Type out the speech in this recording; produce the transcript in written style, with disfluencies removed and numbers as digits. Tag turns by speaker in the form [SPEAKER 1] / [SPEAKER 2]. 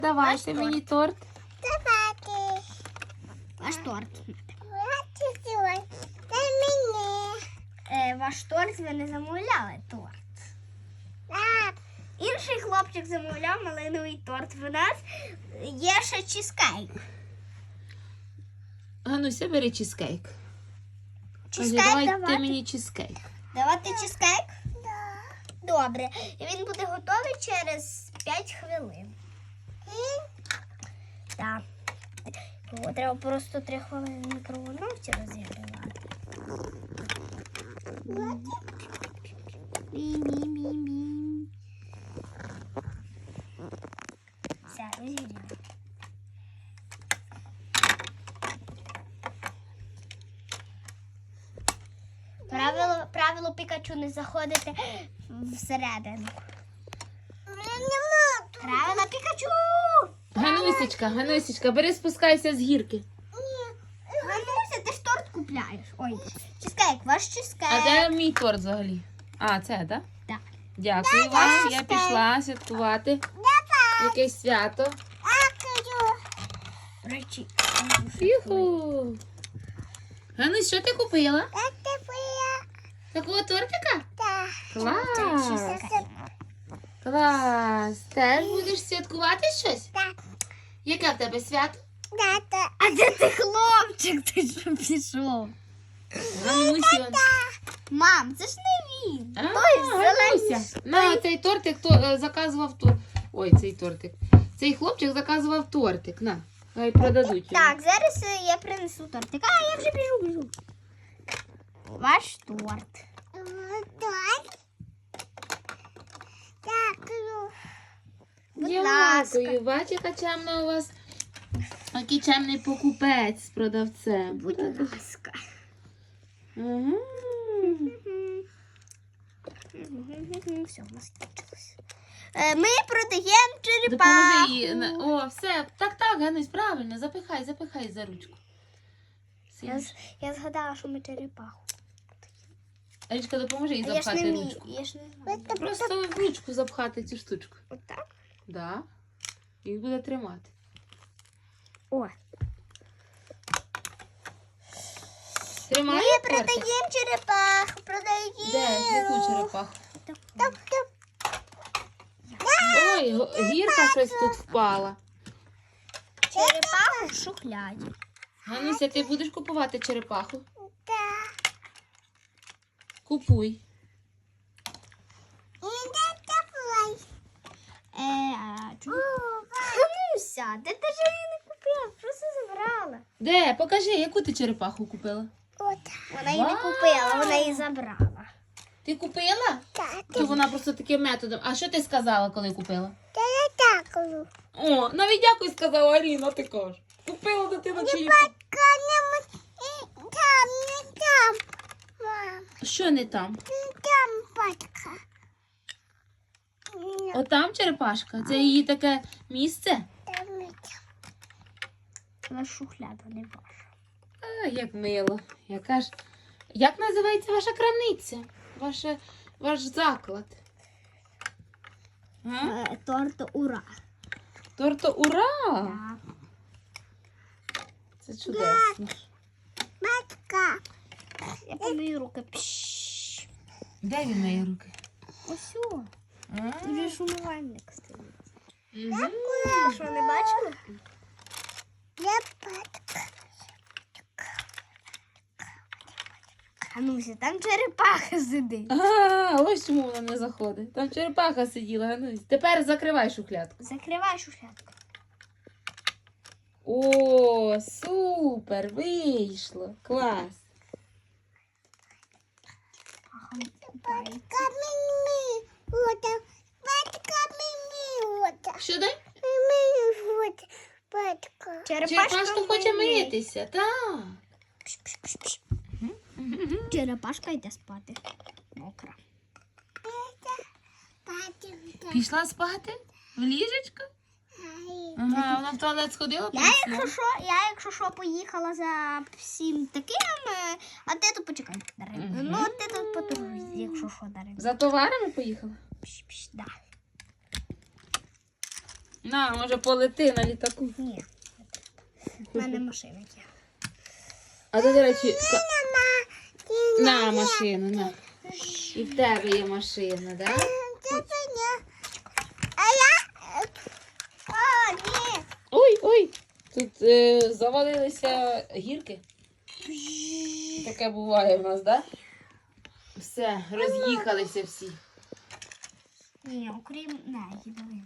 [SPEAKER 1] Давайте мені торт.
[SPEAKER 2] Давайте.
[SPEAKER 3] Ваш торт.
[SPEAKER 2] Це мені.
[SPEAKER 3] Ваш торт ви не замовляли торт.
[SPEAKER 2] Так.
[SPEAKER 3] Інший хлопчик замовляв малиновий торт. В нас є ще чизкейк.
[SPEAKER 1] Гануся, бери чизкейк.
[SPEAKER 3] Чизкейк
[SPEAKER 1] Давай
[SPEAKER 3] давати?
[SPEAKER 1] ти мені чизкейк.
[SPEAKER 3] Давати чизкейк?
[SPEAKER 2] Да.
[SPEAKER 3] Добре. І він буде готовий через 5 хвилин. Так. Його треба просто 3 хвилини в мікроволновці розігрівати. Бім-бім-бім-бім. Все, розігріваємо. Правило Пікачу не заходити всередину. Правило Пікачу!
[SPEAKER 1] Ганусечка, бери, спускайся з гірки.
[SPEAKER 3] Гануся, ти ж торт купляєш. Ой, чизкейк, ваш чизкейк.
[SPEAKER 1] А де мій торт взагалі? А, це, так?
[SPEAKER 3] Так.
[SPEAKER 1] Дякую вам, я пішла святкувати. Якесь свято.
[SPEAKER 3] Речі.
[SPEAKER 1] Юху. Ганусь, що ти купила?
[SPEAKER 2] Це твоя.
[SPEAKER 1] Такого тортика?
[SPEAKER 2] Так.
[SPEAKER 1] Клас. Клас. Теж будеш святкувати щось?
[SPEAKER 2] Так.
[SPEAKER 1] Яке в тебе свято?
[SPEAKER 2] Тата.
[SPEAKER 3] А де ти хлопчик? Ти що пішов?
[SPEAKER 1] Ганусю.
[SPEAKER 3] Мам, це ж не він.
[SPEAKER 1] А,
[SPEAKER 3] Той зелений.
[SPEAKER 1] Гануся. На, цей тортик заказував Ой, цей тортик. Цей хлопчик заказував тортик. На, хай продадуть його.
[SPEAKER 3] Так, зараз я принесу тортик. А, я вже біжу. Ваш торт.
[SPEAKER 2] Так. Дякую.
[SPEAKER 3] Будь ласка.
[SPEAKER 1] Дякую. Бач, яка чемна у вас. Який чемний покупець з продавцем.
[SPEAKER 3] Будь ласка.
[SPEAKER 1] Угу.
[SPEAKER 3] Все, у нас кінчилось. Ми продаємо
[SPEAKER 1] Допоможи
[SPEAKER 3] черепаху.
[SPEAKER 1] їй. О, все. Так, Ганусь, правильно. Запихай за ручку.
[SPEAKER 3] Я згадала, що ми черепаху.
[SPEAKER 1] Алічка, допоможи їй
[SPEAKER 3] А я ж не
[SPEAKER 1] запхати
[SPEAKER 3] вмію.
[SPEAKER 1] ручку.
[SPEAKER 3] Я ж не знаю.
[SPEAKER 1] Просто в ручку запхати цю штучку.
[SPEAKER 3] Отак?
[SPEAKER 1] Да. І буде тримати.
[SPEAKER 3] О.
[SPEAKER 1] Тримає
[SPEAKER 3] Ми
[SPEAKER 1] тортик?
[SPEAKER 3] продаємо черепаху. Продаємо.
[SPEAKER 1] Де? Яку черепаху?
[SPEAKER 3] Так.
[SPEAKER 1] Ой, гірка щось тут впала.
[SPEAKER 3] Черепаху в шухляді.
[SPEAKER 1] Гануся, ти будеш купувати черепаху?
[SPEAKER 2] Так.
[SPEAKER 1] Купуй.
[SPEAKER 2] І де теплий.
[SPEAKER 3] Гануся, ти ж її не купила, просто забрала.
[SPEAKER 1] Де? Покажи, яку ти черепаху купила?
[SPEAKER 2] От.
[SPEAKER 3] Вона її не купила, вона її забрала.
[SPEAKER 1] Ти купила?
[SPEAKER 2] Так.
[SPEAKER 1] Чи вона просто таким методом? А що ти сказала, коли купила?
[SPEAKER 2] Та я дякую.
[SPEAKER 1] О, навіть дякую сказала Аліна, ти кажеш. Купила дитина чи її?
[SPEAKER 2] Там, не там. Мам,
[SPEAKER 1] Що не там?
[SPEAKER 2] не там батька.
[SPEAKER 1] Отам черепашка? Це її таке місце?
[SPEAKER 2] Там не там.
[SPEAKER 3] Вона шухляда не ваша.
[SPEAKER 1] А, як мило. Яка ж... Як називається ваша крамниця? Ваш заклад? А?
[SPEAKER 3] Торт ура.
[SPEAKER 1] Торто ура!
[SPEAKER 3] Так.
[SPEAKER 1] Це чудесно.
[SPEAKER 2] Батька.
[SPEAKER 3] Я помию руки. Пшш.
[SPEAKER 1] Де він мої руки?
[SPEAKER 3] Ось о.
[SPEAKER 1] А?
[SPEAKER 3] Тут же ж умивальник стоїть.
[SPEAKER 1] Мгм.
[SPEAKER 3] Ви що, не бачили?
[SPEAKER 2] Я батька.
[SPEAKER 3] Гануся, там черепаха сидить.
[SPEAKER 1] А, ось чому вона не заходить. Там черепаха сиділа, Ганусь. Тепер закривай шухлядку.
[SPEAKER 3] Закривай шухлядку.
[SPEAKER 1] О, супер, вийшло. Клас.
[SPEAKER 3] Купається.
[SPEAKER 2] Камінь вода. Батька мені вода.
[SPEAKER 1] Що дай?
[SPEAKER 2] Мені вода. Батька.
[SPEAKER 1] Черепашка хоче митися, так.
[SPEAKER 3] Пш-пш-пш-пш. Черепашка йде спати. Мокра.
[SPEAKER 2] Батька.
[SPEAKER 1] Пішла спати? В ліжечко? Ага, вона в туалет сходила?
[SPEAKER 3] Якщо що, поїхала за всім таким, а ти тут почекай, Дарина.
[SPEAKER 1] Мгм.
[SPEAKER 3] Ну, ти тут подорожуй, якщо що, Дарина.
[SPEAKER 1] За товарами поїхала?
[SPEAKER 3] Пш-пш, да.
[SPEAKER 1] На, може полети на літаку.
[SPEAKER 3] Ні. У мене машина є.
[SPEAKER 1] А то, до речі, на машину, на. І в тебе є машина, так? Да?
[SPEAKER 2] А я...
[SPEAKER 3] А, ні.
[SPEAKER 1] Ой, ой, тут завалилися гірки. Таке буває в нас, так? Да? Все, роз'їхалися всі.
[SPEAKER 3] Ні, окрім неї, давай.